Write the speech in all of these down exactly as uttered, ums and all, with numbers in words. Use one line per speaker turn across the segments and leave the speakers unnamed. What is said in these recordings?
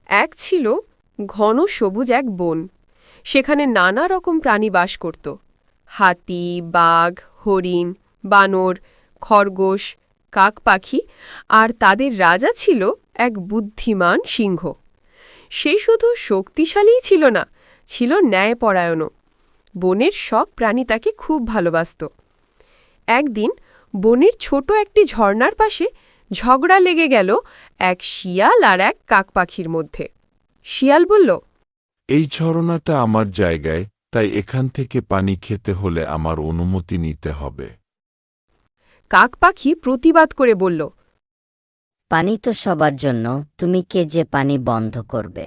এক ছিল ঘন সবুজ এক বন। সেখানে নানা রকম প্রাণী বাস করত। হাতি, বাঘ, হরিণ, বানর, খরগোশ, কাক পাখি, আর তাদের রাজা ছিল এক বুদ্ধিমান সিংহ। সে শুধু শক্তিশালীই ছিল না, ছিল ন্যায়পরায়ণও। বনের সব প্রাণী তাকে খুব ভালোবাসত। একদিন বনের ছোট একটি ঝর্ণার পাশে ঝগড়া লেগে গেল এক শিয়াল আর এক কাক পাখির মধ্যে। শিয়াল বলল,
এই ঝরনাটা আমার জায়গায়, তাই এখান থেকে পানি খেতে হলে আমার অনুমতি নিতে হবে।
কাক পাখি প্রতিবাদ করে বলল,
পানি তো সবার জন্য, তুমি কে যে পানি বন্ধ করবে?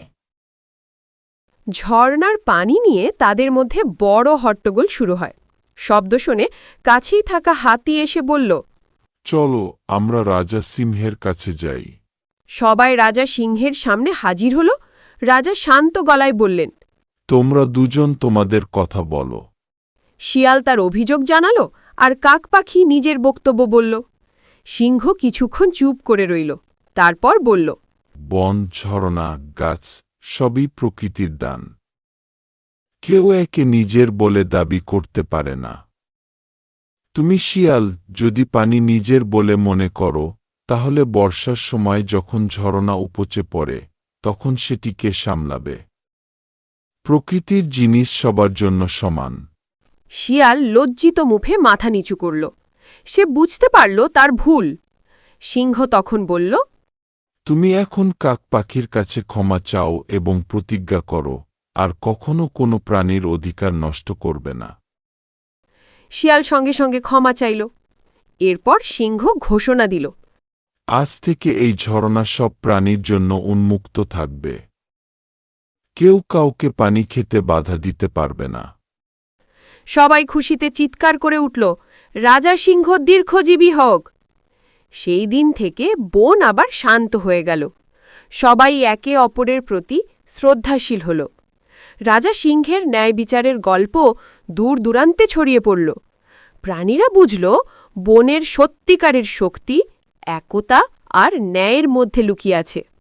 ঝর্ণার পানি নিয়ে তাদের মধ্যে বড় হট্টগোল শুরু হয়। শব্দ শুনে কাছেই থাকা হাতি এসে বলল,
চলো আমরা রাজা সিংহের কাছে যাই।
সবাই রাজা সিংহের সামনে হাজির হল। রাজা শান্ত গলায় বললেন,
তোমরা দুজন তোমাদের কথা বলো।
শিয়াল তার অভিযোগ জানালো, আর কাক পাখি নিজের বক্তব্য বলল। সিংহ কিছুক্ষণ চুপ করে রইল, তারপর বলল,
বন, ঝরনা, গাছ সবই প্রকৃতির দান। কেউ একে নিজের বলে দাবি করতে পারে না। তুমি শিয়াল, যদি পানি নিজের বলে মনে করো, তাহলে বর্ষার সময় যখন ঝরনা উপচে পড়ে তখন সেটিকে সামলাবে। প্রকৃতির জিনিস সবার জন্য সমান।
শিয়াল লজ্জিত মুখে মাথা নিচু করল। সে বুঝতে পারল তার ভুল। সিংহ তখন বলল,
তুমি এখন কাক পাখির কাছে ক্ষমা চাও এবং প্রতিজ্ঞা করো আর কখনো কোনো প্রাণীর অধিকার নষ্ট করবে না।
শিয়াল সঙ্গে সঙ্গে ক্ষমা চাইল। এরপর সিংহ ঘোষণা দিল,
আজ থেকে এই ঝরনা সব প্রাণীর জন্য উন্মুক্ত থাকবে। কেউ কাউকে পানি খেতে বাধা দিতে পারবে না।
সবাই খুশিতে চিৎকার করে উঠল, রাজা সিংহ দীর্ঘজীবী হোক। সেই দিন থেকে বন আবার শান্ত হয়ে গেল। সবাই একে অপরের প্রতি শ্রদ্ধাশীল হল। রাজা সিংহের ন্যায় বিচারের গল্প দূর দূরান্তে ছড়িয়ে পড়ল। প্রাণীরা বুঝল বনের সত্যিকারের শক্তি একতা আর ন্যায়ের মধ্যে লুকিয়ে আছে।